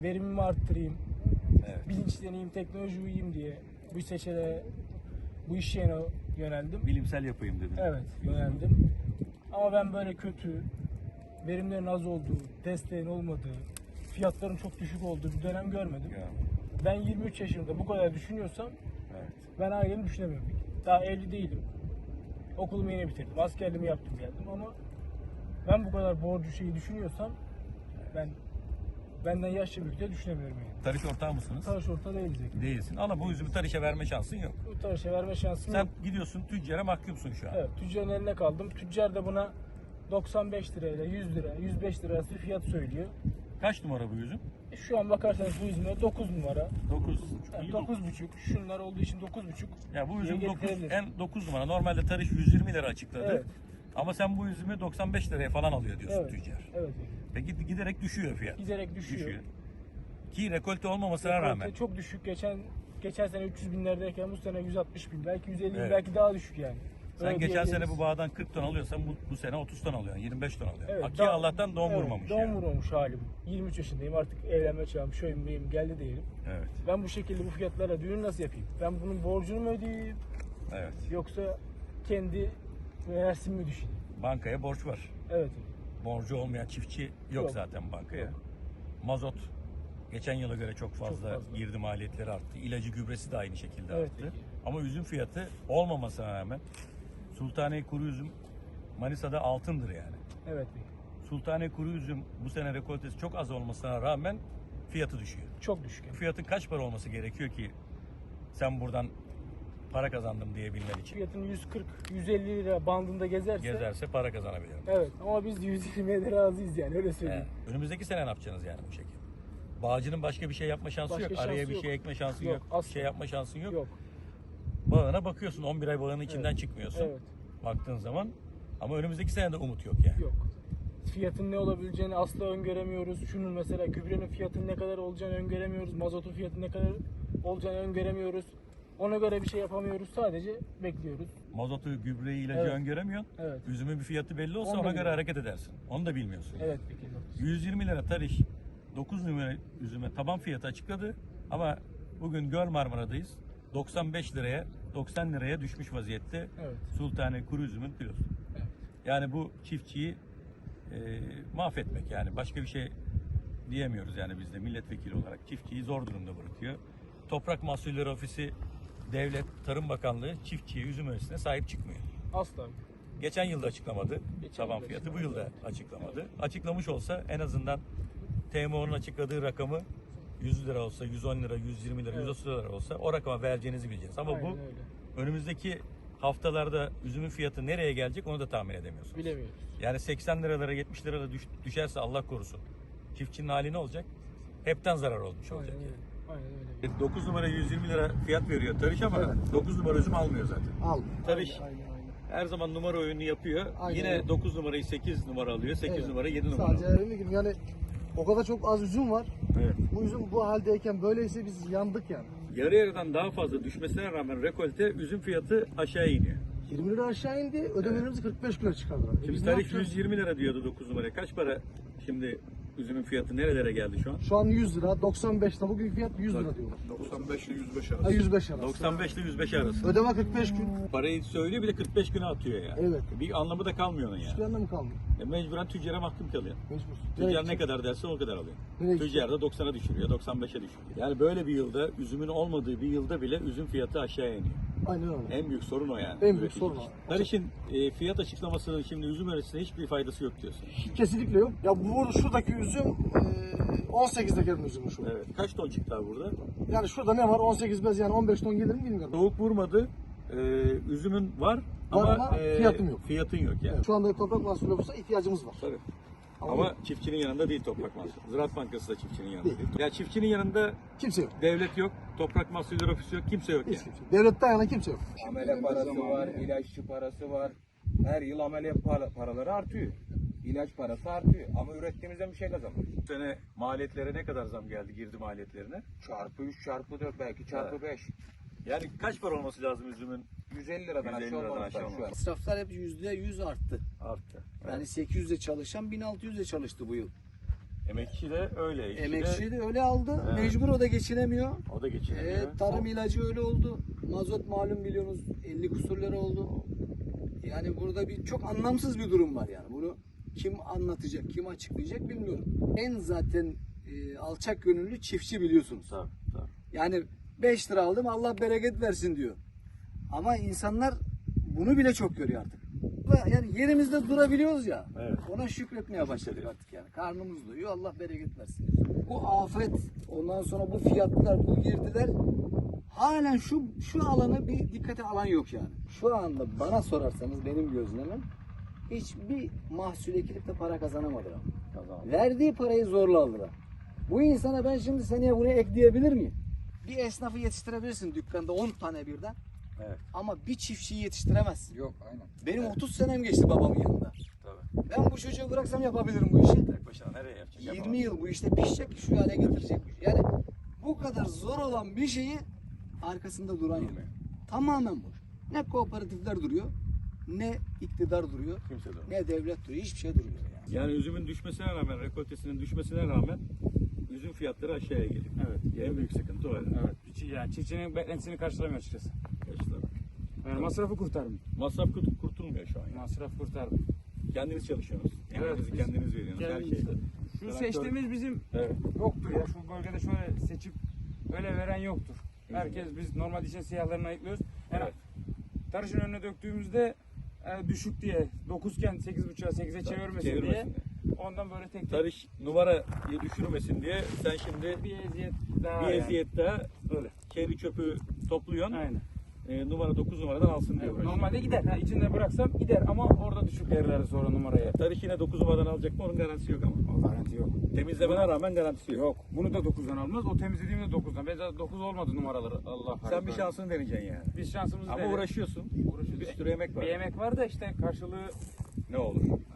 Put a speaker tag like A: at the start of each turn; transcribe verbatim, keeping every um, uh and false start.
A: Verimimi arttırayım,
B: Evet.
A: bilinçleneyim, teknoloji uyuyayım diye bu seçeneğe, bu iş yerine yöneldim.
B: Bilimsel yapayım dedim.
A: Evet, yöneldim. Ama ben böyle kötü, verimlerin az olduğu, desteğin olmadığı, fiyatların çok düşük olduğu bir dönem görmedim.
B: Ya.
A: Ben yirmi üç yaşımda bu kadar düşünüyorsam
B: Evet.
A: ben ailemi düşünemiyorum. Daha evli değilim. Okulumu yeni bitirdim, askerliğimi yaptım geldim ama ben bu kadar borcu şeyi düşünüyorsam ben benden yaşça büyük de düşünemiyorum yani.
B: Tarış ortağı mısınız?
A: Tarış orta değiliz.
B: Değilsin. Ama bu üzümü tarışa verme şansın yok.
A: Bu tarışa verme şansım
B: Sen
A: yok.
B: gidiyorsun tüccara mahkumsun şu an.
A: Evet, tüccarın eline kaldım. Tüccar da buna doksan beş lirayla yüz lira, yüz beş lira arası fiyat söylüyor.
B: Kaç numara bu üzüm?
A: E, Şu an bakarsanız bu üzüme dokuz numara.
B: dokuz.
A: Yani dokuz buçuk. Şunlar olduğu için dokuz buçuk.
B: Ya bu üzüm
A: diye
B: dokuz,
A: getirebilir.
B: en dokuz numara. Normalde tarış yüz yirmi lira açıkladı.
A: Evet.
B: Ama sen bu üzümü doksan beş liraya falan alıyor diyorsun
A: Evet.
B: tüccar.
A: Evet.
B: Peki giderek düşüyor fiyat.
A: Giderek düşüyor.
B: Düşüyor. Ki rekolte olmamasına
A: Rekolte
B: rağmen.
A: çok düşük. Geçen geçen sene üç yüz binlerdeyken bu sene yüz altmış bin. Belki yüz elli bin,
B: Evet.
A: belki daha düşük yani.
B: Sen
A: Öyle
B: geçen sene
A: diyebiliriz.
B: bu bağdan kırk ton alıyorsan bu, bu sene otuz ton alıyorsun, yirmi beş ton alıyorsun.
A: Evet,
B: Aki
A: daha-
B: Allah'tan don
A: evet,
B: vurmamış
A: Don
B: yani.
A: vurmamış halim. yirmi üç yaşındayım, artık evlenme çağım, şöyüm beyim geldi diyelim.
B: Evet,
A: Ben bu şekilde bu fiyatlara düğün nasıl yapayım? Ben bunun borcunu mu ödeyeyim
B: evet.
A: yoksa kendi versimi mi düşüneyim?
B: Bankaya borç var.
A: Evet.
B: Borcu olmayan çiftçi yok,
A: Yok.
B: zaten bankaya.
A: Yok.
B: Mazot geçen yıla göre çok fazla,
A: fazla.
B: girdi maliyetleri arttı. İlacı, gübresi de aynı şekilde
A: Evet,
B: arttı.
A: peki.
B: Ama üzüm fiyatı olmamasına rağmen Sultane kuru üzüm Manisa'da altındır yani.
A: Evet.
B: Sultane kuru üzüm bu sene rekoltesi çok az olmasına rağmen fiyatı düşüyor.
A: Çok düşük. yani.
B: Fiyatın kaç para olması gerekiyor ki sen buradan para kazandım diyebilmen için?
A: Fiyatın yüz kırk yüz elli lira bandında gezerse
B: Gezerse para kazanabilirim.
A: evet, ama biz yüz yirmiye de razıyız yani, öyle söyleyeyim.
B: Evet. Önümüzdeki sene ne yapacaksınız yani bu şekilde? Bağcının başka bir şey yapma şansı
A: Başka
B: yok.
A: şansı
B: Araya bir
A: yok.
B: şey ekme şansın
A: Yok,
B: yok.
A: asla.
B: Bir şey yapma şansın yok.
A: Yok.
B: Bağına bakıyorsun. on bir ay bağının içinden
A: Evet.
B: çıkmıyorsun.
A: Evet.
B: Baktığın zaman. Ama önümüzdeki sene de umut yok yani.
A: Yok. Fiyatın ne olabileceğini asla öngöremiyoruz. Şunun mesela gübrenin fiyatının ne kadar olacağını öngöremiyoruz. Mazotun fiyatının ne kadar olacağını öngöremiyoruz. Ona göre bir şey yapamıyoruz. Sadece bekliyoruz.
B: Mazotu, gübreyi, ilacı
A: Evet.
B: öngöremiyorsun.
A: Evet.
B: Üzümün bir fiyatı belli olsa
A: Onu da
B: ona göre
A: bilmiyorum.
B: hareket edersin. Onu da bilmiyorsun. yani.
A: Evet peki.
B: yüz yirmi lira tarih dokuz numara üzüme taban fiyatı açıkladı. Ama bugün Göl Marmara'dayız. doksan beş liraya, doksan liraya düşmüş vaziyette
A: Evet.
B: Sultane kuru üzümün kilosu.
A: Evet.
B: Yani bu çiftçiyi e, mahvetmek, yani başka bir şey diyemiyoruz yani biz de milletvekili olarak çiftçiyi zor durumda bırakıyor. Toprak Mahsulleri Ofisi, Devlet Tarım Bakanlığı çiftçiye, üzüm öresine sahip çıkmıyor.
A: Asla.
B: Geçen yılda açıklamadı
A: Geçen
B: taban
A: yılda
B: fiyatı, bu
A: açıklamadı.
B: yılda açıklamadı. Açıklamış olsa en azından T M O'nun açıkladığı rakamı yüz lira olsa, yüz on lira, yüz yirmi lira,
A: Evet.
B: yüz otuz lira olsa o rakama vereceğinizi bileceğiz. Ama
A: Aynen
B: bu
A: öyle.
B: önümüzdeki haftalarda üzümün fiyatı nereye gelecek onu da tahmin edemiyorsunuz.
A: Bilemiyoruz.
B: Yani seksen liralara, yetmiş liralara düş, düşerse Allah korusun çiftçinin hali ne olacak? Hepten zarar olmuş olacak.
A: Aynen
B: yani.
A: öyle. Aynen öyle.
B: dokuz numara yüz yirmi lira fiyat veriyor tarış ama
C: Evet.
B: dokuz numara üzüm almıyor zaten.
C: Al.
B: Tarış
A: Aynen, aynen, aynen.
B: her zaman numara oyunu yapıyor.
C: Aynen
B: Yine
C: öyle.
B: dokuz numarayı sekiz numara alıyor. sekiz
C: Evet.
B: numara yedi numara
C: Sadece
B: alıyor.
C: dediğim gibi yani o kadar çok az üzüm var.
B: Evet.
C: Bu üzüm bu haldeyken böyleyse biz yandık yani.
B: Yarı yarıdan daha fazla düşmesine rağmen rekolte üzüm fiyatı aşağı iniyor.
C: yirmi lira aşağı indi, ödemelerimizi kırk beş kilo çıkardılar. E
B: Şimdi
C: biz ne
B: tarih
C: yapacağız?
B: yüz yirmi lira diyordu dokuz numaraya. Kaç para şimdi üzümün fiyatı nerelere geldi şu an?
C: Şu an yüz lira, doksan beş lira. Bugün fiyat yüz lira diyorlar.
D: doksan beş ile yüz beş arası.
C: Ha, yüz beş arası.
B: doksan beş ile yüz beş arası.
C: Ödeme kırk beş gün.
B: Parayı söylüyor bir de kırk beş güne atıyor yani.
C: Evet.
B: Bir anlamı da kalmıyor onun
C: Hiçbir
B: yani.
C: anlamı kalmıyor.
B: E mecburen tüccara mahkum kalıyor.
C: Mecbur.
B: Tüccar
C: Nereye
B: ne
C: gidecek?
B: kadar derse o kadar alıyor.
C: Nereye
B: Tüccar da doksana düşürüyor, doksan beşe düşürüyor. Yani böyle bir yılda, üzümün olmadığı bir yılda bile üzüm fiyatı aşağı iniyor.
C: Aynen öyle.
B: En büyük sorun o yani.
C: En büyük
B: Üretici
C: sorun
B: için.
C: o.
B: Tarış'ın e, fiyat açıklamasının şimdi üzüm öresine hiçbir faydası yok diyorsun.
C: Kesinlikle yok. Ya bu şuradaki üzüm e, on sekizde gelin üzümü şu.
B: Evet. Kaç ton çıktı abi burada?
C: Yani şurada ne var? on sekiz bez yani on beş ton gelir mi bilmiyorum.
B: Soğuk vurmadı. E, üzümün var, ama,
C: ama
B: e,
C: fiyatın yok.
B: Fiyatın yok yani.
C: Evet. Şu anda toprak mahsulü olursa ihtiyacımız var.
B: Tabii. Ama,
C: Ama-
B: çiftçinin yanında değil Toprak Mahsulü. Ziraat Bankası da çiftçinin yanında değil.
C: Değil.
B: Ya çiftçinin yanında
C: Kimse yok.
B: devlet yok, Toprak Mahsulleri Ofisi yok, kimse yok
C: Hiç
B: yani.
C: kimse. Devletten yana kimse yok.
E: Amele parası var, ilaççı parası var. Her yıl amele para- paraları artıyor. İlaç parası artıyor. Ama ürettiğimizden bir şey kazanmıyoruz.
B: Bu sene maliyetlere ne kadar zam geldi, girdi maliyetlerine?
E: Çarpı üç, çarpı dört, belki çarpı beş.
B: Yani kaç para olması lazım üzümün?
E: yüz elli liradan
B: yüz elli
E: aşağı
B: liradan
E: olmaz
B: aşağı
E: şu an.
B: olmaz.
F: İsraflar hep yüzde yüz arttı.
B: Arttı.
F: Yani sekiz yüzde çalışan bin altı yüzde çalıştı bu yıl.
B: Emekçi de öyle. işçi de-
D: Emekçi de öyle aldı.
B: Evet.
D: Mecbur o da geçinemiyor.
B: o da geçinemiyor.
D: E, tarım ilacı öyle oldu. Mazot malum biliyorsunuz ellikusur lira oldu. Yani burada bir çok anlamsız bir durum var yani. Bunu kim anlatacak, kim açıklayacak bilmiyorum. En zaten e, alçak gönüllü çiftçi biliyorsunuz.
B: Tabii, tabii.
D: Yani beş lira aldım Allah bereket versin diyor. Ama insanlar bunu bile çok görüyor artık. Yani yerimizde durabiliyoruz ya.
B: Evet.
D: Ona şükretmeye başladık artık yani. Karnımız doyuyor Allah bereket versin. Bu afet ondan sonra bu fiyatlar bu girdiler halen şu şu alanı bir dikkate alan yok yani. Şu anda bana sorarsanız benim gözlemim hiçbir mahsul ekilip de para kazanamadılar.
B: Kazandı.
D: Verdiği parayı zorla aldılar. Bu insana ben şimdi seneye buraya ekleyebilir miyim? Bir esnafı yetiştirebilirsin dükkanda on tane birden.
B: Evet.
D: Ama bir çiftçiyi yetiştiremezsin.
E: Yok aynen.
D: Benim otuz senem geçti babamın yanında.
B: Tabii.
D: Ben bu çocuğu bıraksam yapabilirim bu işi.
B: Tek başına nereye yapacak?
D: yirmi
B: Yapamaz.
D: yıl bu işte pişecek, şu hale getirecek. Yani bu kadar zor olan bir şeyi arkasında duran yok.
B: Durmuyor.
D: Tamamen boş. Ne kooperatifler duruyor, ne iktidar duruyor,
B: Kimse durmuyor.
D: ne devlet duruyor. Hiçbir şey durmuyor yani.
B: Yani üzümün düşmesine rağmen, rekoltesinin düşmesine rağmen üzüm fiyatları aşağıya geliyor.
F: Evet.
B: En büyük sıkıntı o.
F: Evet. Çiftçi- Yani çiftçinin beklentisini karşılamıyor açıkçası.
B: Kaçlar.
F: Yani masrafı kurtarmıyor.
B: Masraf kurt- kurtulmuyor şu an. Yani.
F: Masraf kurtarmıyor.
B: Kendiniz çalışıyorsunuz.
F: Evet,
B: Emeğinizi
F: biz
B: kendiniz veriyorsunuz. Her
F: kendimiz-
B: şeyde.
F: Şu
B: Traktör-
F: seçtiğimiz bizim
B: Evet.
F: yoktur ya. Şu bölgede şöyle seçip öyle veren yoktur. Herkes biz normal için siyahlarını ayıklıyoruz. Yani
B: Evet.
F: tarışın önüne döktüğümüzde e, düşük diye dokuzken sekiz buçuğa sekize çevirmesin,
B: Çevirmesin
F: diye.
B: diye.
F: Ondan böyle tek tek
B: Tarış numarayı düşürmesin diye sen şimdi
F: bir eziyet daha
B: bir
F: yani.
B: eziyet daha
F: Öyle.
B: kendi çöpü topluyorsun.
F: Aynen.
B: E, numara dokuz numaradan alsın diye
F: Evet,
B: uğraşıyorsun.
F: normalde gider. Ha, içinde bıraksam gider ama orada düşük verirler sonra numaraya.
B: Tarış yine dokuz numaradan alacak mı onun garantisi yok ama.
F: O garanti yok.
B: Temizlemene rağmen garantisi yok.
F: Yok. Bunu da dokuzdan almaz. O temizlediğimde dokuzdan. Ben zaten dokuz olmadı numaraları. Allah
B: Sen bir şansını deneyeceksin yani.
F: Biz şansımızı
B: Ama
F: denedik.
B: uğraşıyorsun.
F: Uğraşıyoruz.
B: Bir sürü emek var.
F: Bir yemek var da işte karşılığı
B: Ne olur.